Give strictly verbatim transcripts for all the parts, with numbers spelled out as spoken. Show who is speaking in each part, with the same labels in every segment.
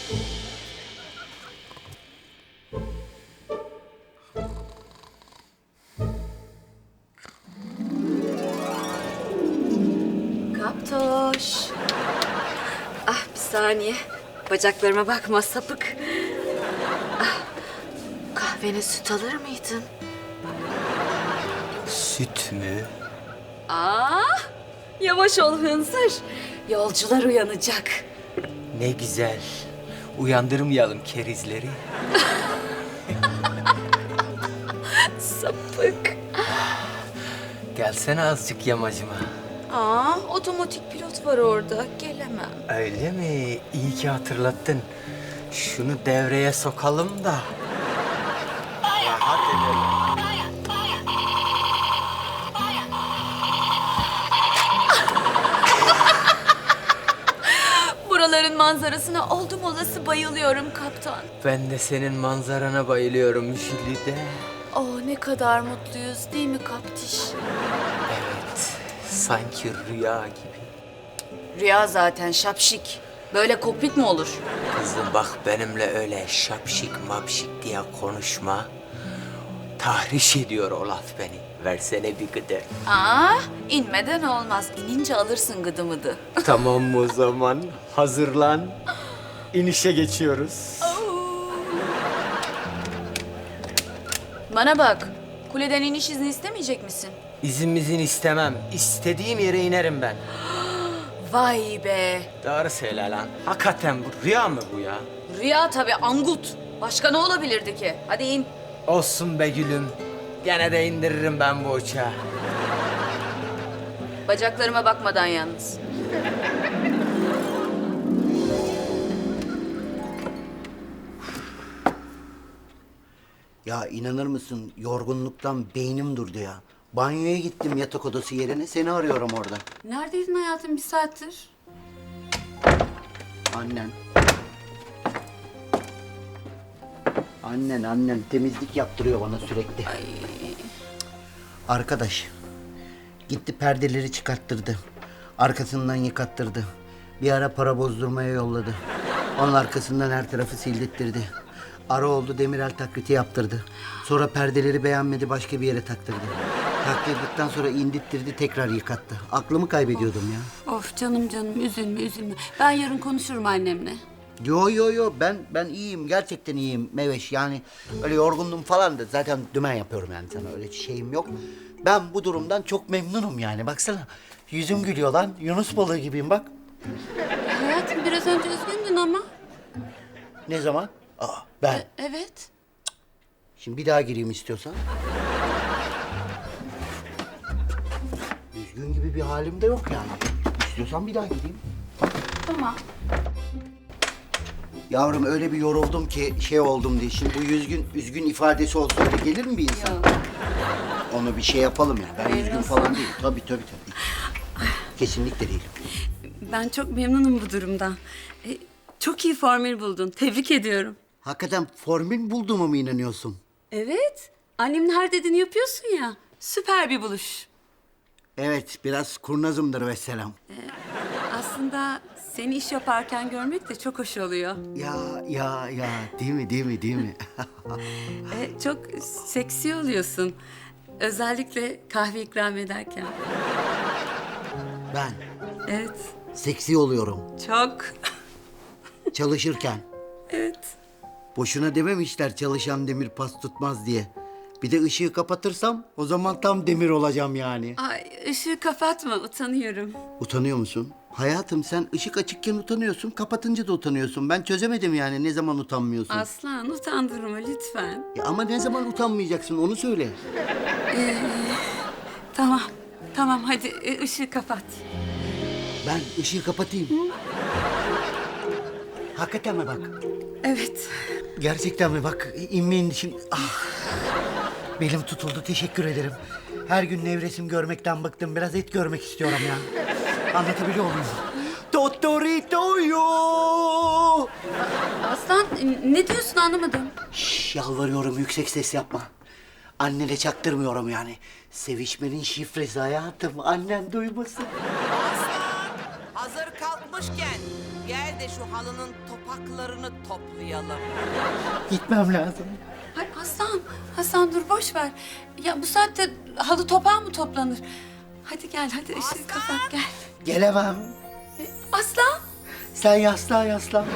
Speaker 1: Kaptoş. Ah bir saniye. Bacaklarıma bakma sapık. Ah, kahvene süt alır mıydın?
Speaker 2: Süt mü?
Speaker 1: Aa, yavaş ol hınzır. Yolcular uyanacak.
Speaker 2: Ne güzel. Uyandırmayalım kerizleri.
Speaker 1: Sapık.
Speaker 2: Gelsene azıcık yamacıma.
Speaker 1: Aa, otomatik pilot var orada. Gelemem.
Speaker 2: Öyle mi? İyi ki hatırlattın. Şunu devreye sokalım da. Rahat edelim.
Speaker 1: Buraların manzarasına oldum olası bayılıyorum kaptan.
Speaker 2: Ben de senin manzarana bayılıyorum Jülide.
Speaker 1: Oh ne kadar mutluyuz değil mi kaptiş?
Speaker 2: Evet, sanki rüya gibi.
Speaker 1: Rüya zaten şapşik. Böyle kokpit mi olur?
Speaker 2: Kızım bak benimle öyle şapşik mapşik diye konuşma. Tahriş ediyor o laf beni. Versene bir gıdı.
Speaker 1: Aa, inmeden olmaz. İnince alırsın gıdı mıdı.
Speaker 2: Tamam o zaman. Hazırlan. İnişe geçiyoruz.
Speaker 1: Bana bak, kuleden iniş izni istemeyecek misin?
Speaker 2: İzin istemem. İstediğim yere inerim ben.
Speaker 1: Vay be.
Speaker 2: Doğru söyle lan. Hakikaten bu rüya mı bu ya?
Speaker 1: Rüya tabii angut. Başka ne olabilirdi ki? Hadi in.
Speaker 2: Olsun be gülüm. Gene de indiririm ben bu uçağı.
Speaker 1: Bacaklarıma bakmadan yalnız.
Speaker 3: Ya inanır mısın yorgunluktan beynim durdu ya. Banyoya gittim yatak odası yerine seni arıyorum orada.
Speaker 1: Neredeydin hayatım bir saattir?
Speaker 3: Annen. Annen annen temizlik yaptırıyor bana sürekli. Arkadaş gitti perdeleri çıkarttırdı. Arkasından yıkattırdı. Bir ara para bozdurmaya yolladı. Onun arkasından her tarafı sildirttirdi. Ara oldu demirel taklidi yaptırdı. Sonra perdeleri beğenmedi başka bir yere taktırdı. Taktırdıktan sonra indirttirdi tekrar yıkattı. Aklımı kaybediyordum ya.
Speaker 4: Of canım canım üzülme üzülme. Ben yarın konuşurum annemle.
Speaker 3: Yo yo yo ben ben iyiyim gerçekten iyiyim Meveş yani öyle yorgundum falan da zaten dümen yapıyorum yani sana öyle şeyim yok. Ben bu durumdan çok memnunum yani baksana yüzüm gülüyor lan Yunus balığı gibiyim bak.
Speaker 4: Hayatım biraz önce üzgündün ama.
Speaker 3: Ne zaman? Aa ben
Speaker 4: Evet.
Speaker 3: şimdi bir daha gireyim istiyorsan. Üzgün gibi bir halim de yok yani. İstiyorsan bir daha gireyim.
Speaker 4: Tamam.
Speaker 3: Yavrum öyle bir yoruldum ki şey oldum diye. Şimdi bu üzgün, üzgün ifadesi olsa öyle gelir mi bir insan?
Speaker 4: Yok.
Speaker 3: Onu bir şey yapalım ya. Ben üzgün
Speaker 4: olsun.
Speaker 3: falan değilim. Tabii tabii tabii. Kesinlikle değilim.
Speaker 4: Ben çok memnunum bu durumdan. E, çok iyi formül buldun. Tebrik ediyorum.
Speaker 3: Hakikaten formül bulduğuma mı inanıyorsun?
Speaker 4: Evet. Annemin her dediğini yapıyorsun ya. Süper bir buluş.
Speaker 3: Evet, biraz kurnazımdır vesselam.
Speaker 4: Aslında seni iş yaparken görmek de çok hoş oluyor.
Speaker 3: Ya ya ya değil mi değil mi değil mi?
Speaker 4: E, çok seksi oluyorsun. Özellikle kahve ikram ederken.
Speaker 3: Ben
Speaker 4: Evet.
Speaker 3: seksi oluyorum
Speaker 4: Çok.
Speaker 3: çalışırken.
Speaker 4: Evet.
Speaker 3: Boşuna dememişler çalışan demir pas tutmaz diye. Bir de ışığı kapatırsam o zaman tam demir olacağım yani.
Speaker 4: Ay ışığı kapatma utanıyorum.
Speaker 3: Utanıyor musun? Hayatım sen ışık açıkken utanıyorsun, kapatınca da utanıyorsun. Ben çözemedim yani ne zaman utanmıyorsun.
Speaker 4: Aslan utandırma lütfen.
Speaker 3: Ya ama ne zaman utanmayacaksın onu söyle.
Speaker 4: Tamam. Tamam hadi e, ışığı kapat.
Speaker 3: Ben ışığı kapatayım. Hakikaten mi bak?
Speaker 4: Evet.
Speaker 3: Gerçekten mi bak? İnmeyin şimdi. Ah. Belim tutuldu teşekkür ederim. Her gün nevresim görmekten bıktım. Biraz et görmek istiyorum ya. Anlatabiliyor muyum? Totoritoyo.
Speaker 4: Aslan e, ne diyorsun anlamadım.
Speaker 3: Şş, yalvarıyorum yüksek ses yapma. Annene çaktırmıyorum yani. Sevişmenin şifresi hayatım. Annen duymasın.
Speaker 5: Hazır kalkmışken gel de şu halının topaklarını toplayalım.
Speaker 3: Gitmem lazım.
Speaker 4: Ay Aslan, Aslan dur boş ver. Ya bu saatte halı topağı mı toplanır? Hadi gel, hadi ışığı kapat gel.
Speaker 3: Gelemem.
Speaker 4: Aslan.
Speaker 3: Sen yaslan yaslan.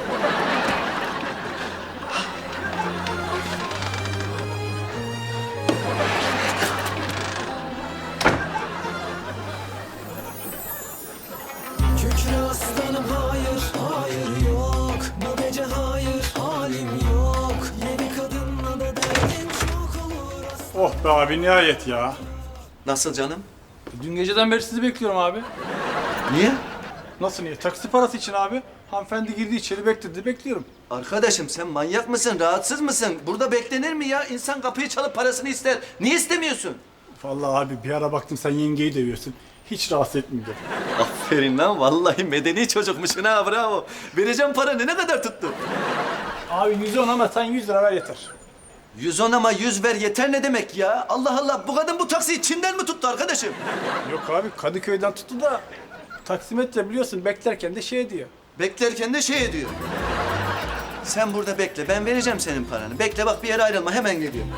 Speaker 6: Kükre aslanım hayır, hayır yok. Bu gece hayır, halim yok. Yeni kadınla da derdin çok olur.
Speaker 7: Oh be abi nihayet ya.
Speaker 6: Nasıl canım?
Speaker 7: Dün geceden beri sizi bekliyorum abi.
Speaker 6: Niye?
Speaker 7: Nasıl niye? Taksi parası için abi. Hanımefendi girdi içeri bekledi bekliyorum.
Speaker 6: Arkadaşım sen manyak mısın, rahatsız mısın? Burada beklenir mi ya? İnsan kapıyı çalıp parasını ister. Niye istemiyorsun?
Speaker 7: Vallahi abi bir ara baktım sen yengeyi dövüyorsun. Hiç rahatsız etmedi.
Speaker 6: Aferin lan, vallahi medeni çocukmuşsun ha, bravo. Vereceğim paranı, ne kadar tuttu?
Speaker 7: Abi yüz on ama sen yüz lira ver yeter.
Speaker 6: Yüz on ama yüz ver yeter ne demek ya? Allah Allah, bu kadın bu taksiyi Çin'den mi tuttu arkadaşım?
Speaker 7: Yok abi Kadıköy'den tuttu da taksimetre biliyorsun beklerken de şey diyor.
Speaker 6: Beklerken de şey ediyor. Sen burada bekle, ben vereceğim senin paranı. Bekle bak, bir yere ayrılma, hemen geliyorum.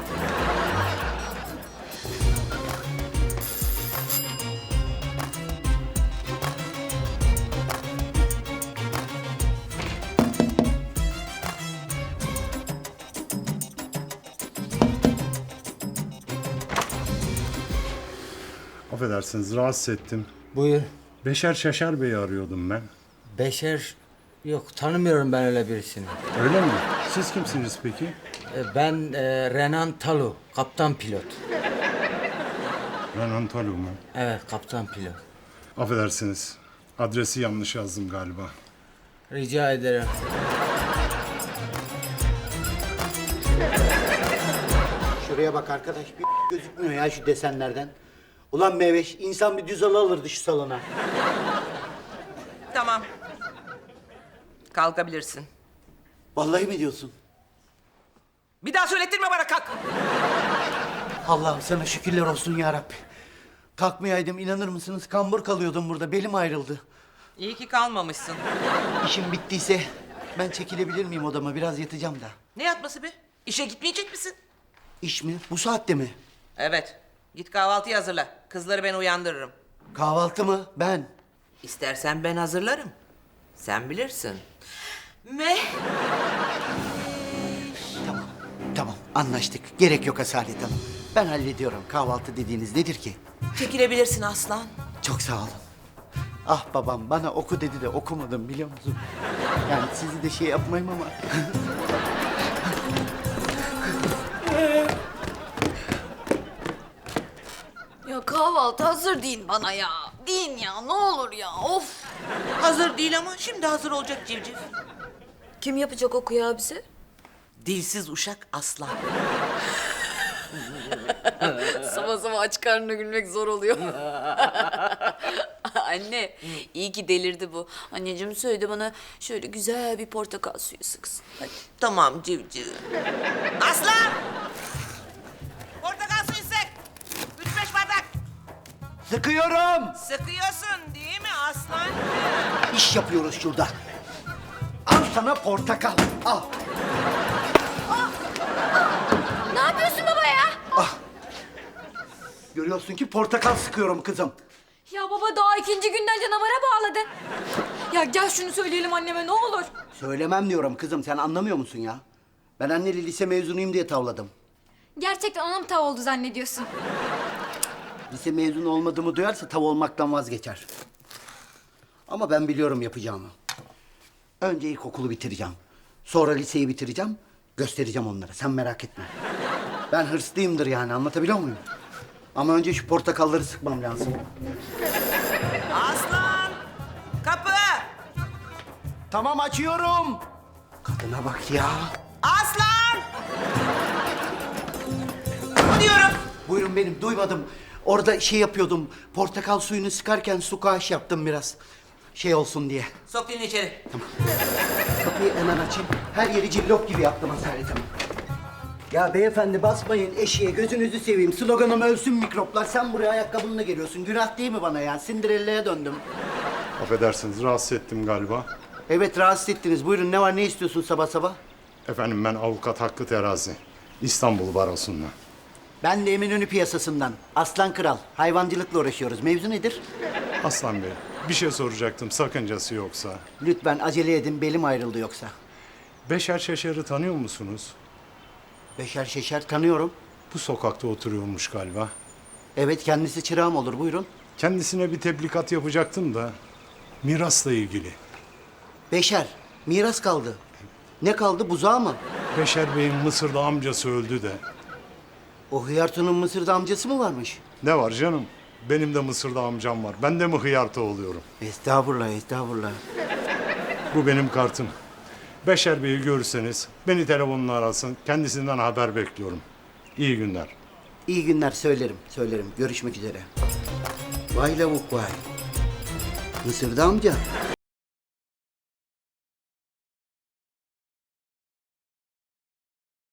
Speaker 8: Affedersiniz, rahatsız ettim.
Speaker 3: Buyur.
Speaker 8: Beşer Şaşar Bey'i arıyordum ben.
Speaker 3: Beşer yok, tanımıyorum ben öyle birisini.
Speaker 8: Öyle mi? Siz kimsiniz peki?
Speaker 3: E, Ben e, Renan Talu, kaptan pilot.
Speaker 8: Renan Talu mu?
Speaker 3: Evet, kaptan pilot.
Speaker 8: Affedersiniz, adresi yanlış yazdım galiba.
Speaker 3: Rica ederim. Şuraya bak arkadaş, bir gözükmüyor ya şu desenlerden. Ulan Meveş, insan bir düz halı alırdı şu salona.
Speaker 5: Tamam. Kalkabilirsin.
Speaker 3: Vallahi mi diyorsun?
Speaker 5: Bir daha söylettirme bana, kalk.
Speaker 3: Allah'ım sana şükürler olsun ya Rabbi. Kalkmayaydım, inanır mısınız? Kambur kalıyordum burada, belim ayrıldı.
Speaker 5: İyi ki kalmamışsın.
Speaker 3: İşim bittiyse ben çekilebilir miyim odama? Biraz yatacağım da.
Speaker 5: Ne yatması be? İşe gitmeyecek misin?
Speaker 3: İş mi? Bu saatte mi?
Speaker 5: Evet. Git kahvaltıyı hazırla. Kızları ben uyandırırım.
Speaker 3: Kahvaltı mı? Ben.
Speaker 5: İstersen ben hazırlarım. Sen bilirsin. Me.
Speaker 3: Tamam, tamam anlaştık. Gerek yok Asalet Hanım. Ben hallediyorum. Kahvaltı dediğiniz nedir ki?
Speaker 5: Çekilebilirsin aslan.
Speaker 3: Çok sağ olun. Ah babam bana oku dedi de okumadım biliyor musun? Yani sizi de şey yapmayayım ama...
Speaker 1: Ya kahvaltı hazır deyin bana ya. Deyin ya ne olur ya of.
Speaker 5: Hazır değil ama şimdi hazır olacak civciv.
Speaker 1: Kim yapacak o kıyağı bize?
Speaker 5: Dilsiz uşak aslan.
Speaker 1: Sabah sabah aç karnına gülmek zor oluyor. Anne, iyi ki delirdi bu. Anneciğim söyledi bana şöyle güzel bir portakal suyu sıksın. Hadi.
Speaker 5: Tamam civciv. Aslan! Portakal suyu sık. Üç beş bardak.
Speaker 3: Sıkıyorum!
Speaker 5: Sıkıyorsun değil mi aslan?
Speaker 3: İş yapıyoruz şurada. Al sana portakal, al.
Speaker 1: Ne yapıyorsun baba ya?
Speaker 3: Görüyorsun ki portakal sıkıyorum kızım.
Speaker 9: Ya baba daha ikinci günden canavara bağladın. Ya gel şunu söyleyelim anneme ne olur.
Speaker 3: Söylemem diyorum kızım, sen anlamıyor musun ya? Ben anneli lise mezunuyum diye tavladım.
Speaker 9: Gerçekten ona mı tav oldu zannediyorsun?
Speaker 3: Lise mezunu olmadığımı duyarsa tav olmaktan vazgeçer. Ama ben biliyorum yapacağımı. Önce ilkokulu bitireceğim. Sonra liseyi bitireceğim. Göstereceğim onlara, sen merak etme. Ben hırslıyımdır yani, anlatabiliyor muyum? Ama önce şu portakalları sıkmam lazım.
Speaker 5: Aslan! Kapı!
Speaker 3: Tamam, açıyorum. Kadına bak ya.
Speaker 5: Aslan! Kapı diyorum.
Speaker 3: Buyurun benim, duymadım. Orada şey yapıyordum, portakal suyunu sıkarken su kaş yaptım biraz. Şey olsun diye.
Speaker 5: Sok dilini içeri.
Speaker 3: Kapıyı hemen açayım. Her yeri cillop gibi yaptım Asalet Hanım. Ya beyefendi basmayın eşeğe, gözünüzü seveyim. Sloganım ölsün mikroplar. Sen buraya ayakkabınla geliyorsun. Günah değil mi bana ya? Cinderella'ya döndüm.
Speaker 8: Affedersiniz, rahatsız ettim galiba.
Speaker 3: Evet, rahatsız ettiniz. Buyurun, ne var, ne istiyorsun sabah sabah?
Speaker 8: Efendim ben avukat Hakkı Terazi. İstanbul Barosu'ndan.
Speaker 3: Ben de Eminönü piyasasından. Aslan Kral. Hayvancılıkla uğraşıyoruz. Mevzu nedir?
Speaker 8: Aslan Bey, bir şey soracaktım sakıncası yoksa.
Speaker 3: Lütfen acele edin, belim ayrıldı yoksa.
Speaker 8: Beşer Şeşer'i tanıyor musunuz?
Speaker 3: Beşer Şeşer tanıyorum.
Speaker 8: Bu sokakta oturuyormuş galiba.
Speaker 3: Evet, kendisi çırağım olur. Buyurun.
Speaker 8: Kendisine bir tebligat yapacaktım da mirasla ilgili.
Speaker 3: Beşer, miras kaldı. Ne kaldı, buzağı mı?
Speaker 8: Beşer Bey'in Mısır'da amcası öldü de.
Speaker 3: O Hıyarto'nun Mısır'da amcası mı varmış?
Speaker 8: Ne var canım? Benim de Mısır'da amcam var. Ben de mi hıyarta oluyorum?
Speaker 3: Estağfurullah, estağfurullah.
Speaker 8: Bu benim kartım. Beşer Bey'i görürseniz beni telefonla arasın. Kendisinden haber bekliyorum. İyi günler.
Speaker 3: İyi günler, söylerim, söylerim. Görüşmek üzere. Vay lavuk vay. Mısır'da amca.